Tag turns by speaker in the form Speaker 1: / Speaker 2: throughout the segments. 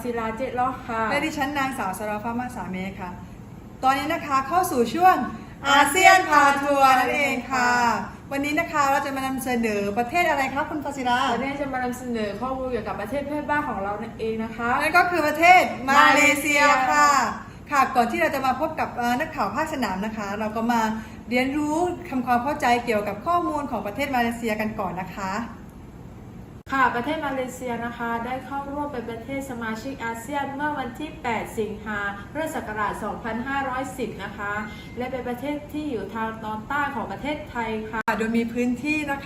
Speaker 1: ศิลาเจล้อค่ะ
Speaker 2: และดิฉันนางสาวสราฟ้ามาสาเมค่ะ ตอนนี้นะคะเข้าสู่ช่วงอาเซียนพาทัวร์นั่นเองค่ะ วันนี้นะคะเราจะมานำเสนอประเทศอะไรครับคุณฟาซิลา
Speaker 1: วันนี้จะมานำเสนอข้อมูลเกี่ยวกับประเทศเพื่อนบ้านของเรานั่นเองนะคะ
Speaker 2: นั่นก็คือประเทศมาเลเซียค่ะค่ะก่อนที่เราจะมาพบกับนักข่าวภาคสนามนะคะ เราก็มาเรียนรู้ทำความเข้าใจเกี่ยวกับข้อมูลของประเทศมาเลเซียกันก่อนนะคะ
Speaker 1: ค่ะประเทศมาเลเซียนะคะได้เข้าร่วมเป็นประเทศสมาชิกอาเซียนเมื่อวันที่ 8 สิงหาคม พุทธศักราช 2510 นะคะและเป็นประเทศที่อยู่ทางตอนใต้ของประเทศไทยค่ะ
Speaker 2: โดยมีพื้นที่นะคะ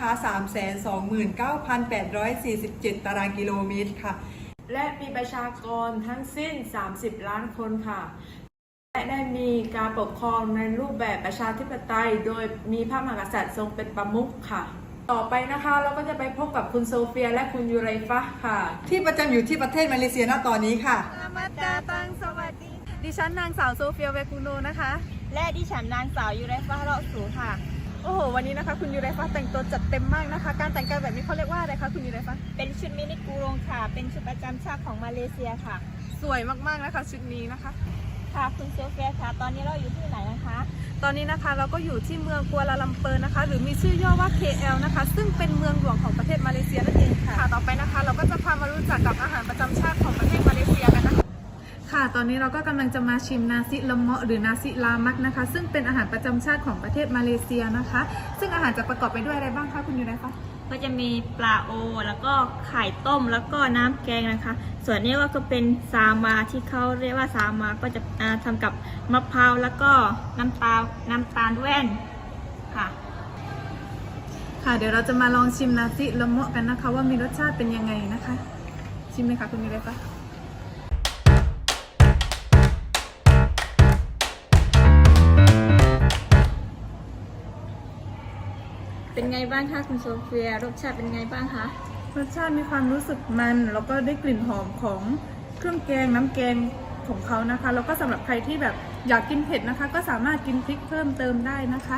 Speaker 2: 329,847 ตารางกิโลเมตรค่ะ
Speaker 1: และมีประชากรทั้งสิ้น 30 ล้านคนค่ะและได้มีการปกครองในรูปแบบประชาธิปไตยโดยมีพระมหากษัตริย์ทรงเป็นประมุขค่ะต่อไปนะคะเราก็จะไปพบกับคุณโซเฟียและคุณยูไรฟะค่ะ
Speaker 2: ที่ประจำอยู่ที่ประเทศมาเลเซียณตอนนี้ค่ะ
Speaker 3: มาดาตังสวัสดี
Speaker 4: ดิฉันนางสาวโซเฟียเวกุโนนะคะ
Speaker 3: และดิฉันนางสาวยูไรฟ้าเราะสูค่ะ
Speaker 4: โอ้โหวันนี้นะคะคุณยูไรฟ้าแต่งตัวจัดเต็มมากนะคะการแต่งกายแบบนี้เขาเรียกว่าอะไรคะคุณยูไรฟ้า
Speaker 3: เป็นชุดมินิกูรงค่ะเป็นชุดประจำชาติของมาเลเซียค่ะ
Speaker 4: สวยมากๆนะคะชุดนี้นะคะ
Speaker 3: ค่ะคุณโซเฟียค่ะตอนนี้เราอยู่ที่ไหนนะคะ
Speaker 4: ตอนนี้นะคะเราก็อยู่ที่เมืองกัวลาลัมเปอร์นะคะหรือมีชื่อย่อว่า KL นะคะซึ่งเป็นเมืองหลวงของประเทศมาเลเซียนั่นเองค่ะต่อไปนะคะเราก็จะพามารู้จักกับอาหารประจำชาติของประเทศมาเลเซียกันนะคะค่ะตอนนี้เราก็กำลังจะมาชิมนาซิละเมาะหรือนาซิลามักนะคะซึ่งเป็นอาหารประจำชาติของประเทศมาเลเซียนะคะซึ่งอาหารจะประกอบไปด้วยอะไรบ้างคะคุณยูไรฟ้า
Speaker 3: ก็จะมีปลาโอแล้วก็ไข่ต้มแล้วก็น้ำแกงนะคะส่วนนี้ก็เป็นซามาที่เขาเรียกว่าซามาก็จะทำกับมะพร้าวแล้วก็น้ำตาลแว่นค่ะ
Speaker 4: ค่ะเดี๋ยวเราจะมาลองชิมนาซิละเมาะกันนะคะว่ามีรสชาติเป็นยังไงนะคะชิมเลยค่ะคุณยูไรฟ้า
Speaker 3: เป็นไงบ้างคะคุณโซเฟียรสชาติเป็นไงบ้างคะ
Speaker 4: รสชาติมีความรู้สึกมันแล้วก็ได้กลิ่นหอมของเครื่องแกงน้ำแกงของเขานะคะแล้วก็สำหรับใครที่แบบอยากกินเผ็ดนะคะก็สามารถกินพริกเพิ่มเติมได้นะคะ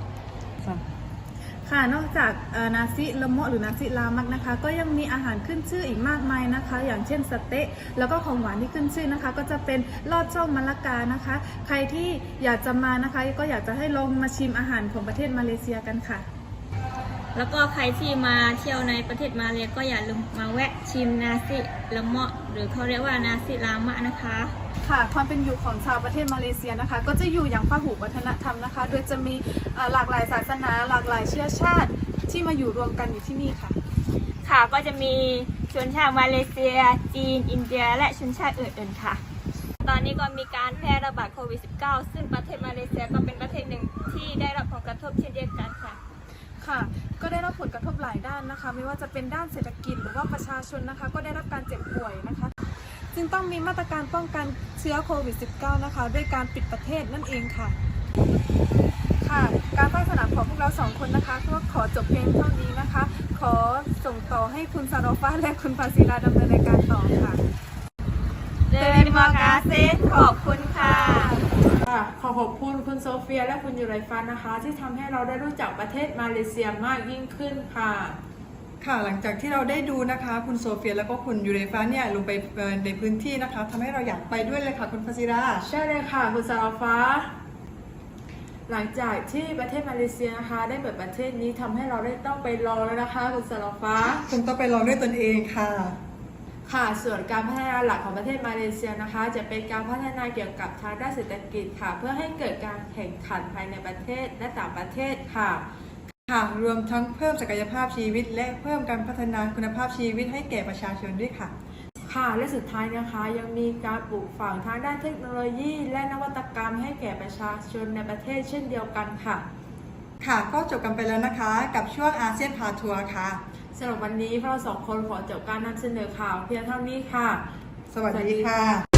Speaker 4: ค่ะนอกจากนาซิละเมาะหรือนาซิลามักนะคะก็ยังมีอาหารขึ้นชื่ออีกมากมายนะคะอย่างเช่นสเต๊ะแล้วก็ของหวานที่ขึ้นชื่อนะคะก็จะเป็นลอดช่องมะละกานะคะใครที่อยากจะมานะคะก็อยากจะให้ลองมาชิมอาหารของประเทศมาเลเซียกันค่ะ
Speaker 3: แล้วก็ใครที่มาเที่ยวในประเทศมาเลก็อย่าลืมมาแวะชิมนาซิละเมาะหรือเขาเรียกว่านาซิลามะนะคะ
Speaker 4: ค่ะความเป็นอยู่ของชาวประเทศมาเลเซียนะคะก็จะอยู่อย่างพหุวัฒนธรรมนะคะโดยจะมีหลากหลายศาสนาหลากหลายเชื้อชาติที่มาอยู่รวมกันอยู่ที่นี่ค่ะ
Speaker 3: ค่ะก็จะมีชนชาติมาเลเซียจีนอินเดียและชนชาติอื่นๆค่ะตอนนี้ก็มีการแพร่ระบาดโควิด -19 ซึ่งประเทศมาเลเซียก็เป็นประเทศหนึ่งที่ได้รับผลกระทบเช่นเดียวกันค่ะ
Speaker 4: ค่ะก็ได้รับผลกระทบหลายด้านนะคะไม่ว่าจะเป็นด้านเศรษฐกิจหรือว่าประชาชนนะคะก็ได้รับการเจ็บป่วยนะคะจึงต้องมีมาตรการป้องกันเชื้อโควิด -19 นะคะด้วยการปิดประเทศนั่นเองค่ะค่ะการภาคสนามของพวกเรา2คนนะคะก็ขอจบเพียงเท่านี้นะคะขอส่งต่อให้คุณซาโรฟ้าและคุณฟาซิลาดำเนินรายการต่อค่ะ
Speaker 3: เดลิมากาเซขอบคุณค่ะ
Speaker 1: ขอบคุณคุณโซเฟียและคุณยูไรฟ้านะคะที่ทำให้เราได้รู้จักประเทศมาเลเซียมากยิ่งขึ้นค่ะ
Speaker 2: ค่ะหลังจากที่เราได้ดูนะคะคุณโซเฟียแล้วก็คุณยูเรฟาเนี่ยลงไปในพื้นที่นะคะทำให้เราอยากไปด้วยเลยค่ะคุณฟาซิรา
Speaker 1: ใช่เลยค่ะคุณซาราฟ้าหลังจากที่ประเทศมาเลเซียนะคะได้เปิดประเทศนี้ทำให้เราได้ต้องไปลองแล้วนะคะคุณซาราฟ้า
Speaker 2: คุณต้องไปลองด้วยตนเองค่ะ
Speaker 1: ค่ะส่วนการพัฒนาหลักของประเทศมาเลเซียนะคะจะเป็นการพัฒนาเกี่ยวกับทางด้านเศรษฐกิจค่ะเพื่อให้เกิดการแข่งขันภายในประเทศและต่างประเทศค่ะ
Speaker 2: รวมทั้งเพิ่มศักยภาพชีวิตและเพิ่มการพัฒนาคุณภาพชีวิตให้แก่ประชาชนด้วยค่ะ
Speaker 1: ค่ะและสุดท้ายนะคะยังมีการปลูกฝังทางด้านเทคโนโลยีและนวัตกรรมให้แก่ประชาชนในประเทศเช่นเดียวกันค่ะ
Speaker 2: ค่ะก็จบกันไปแล้วนะคะกับช่วงอาเซียนพาทัวร์ค่ะ
Speaker 1: สำหรับวันนี้พวกเรา2 คนขอจบการนำเสนอข่าวเพียงเท่านี้ค่ะ
Speaker 2: สวัสดีค่ะ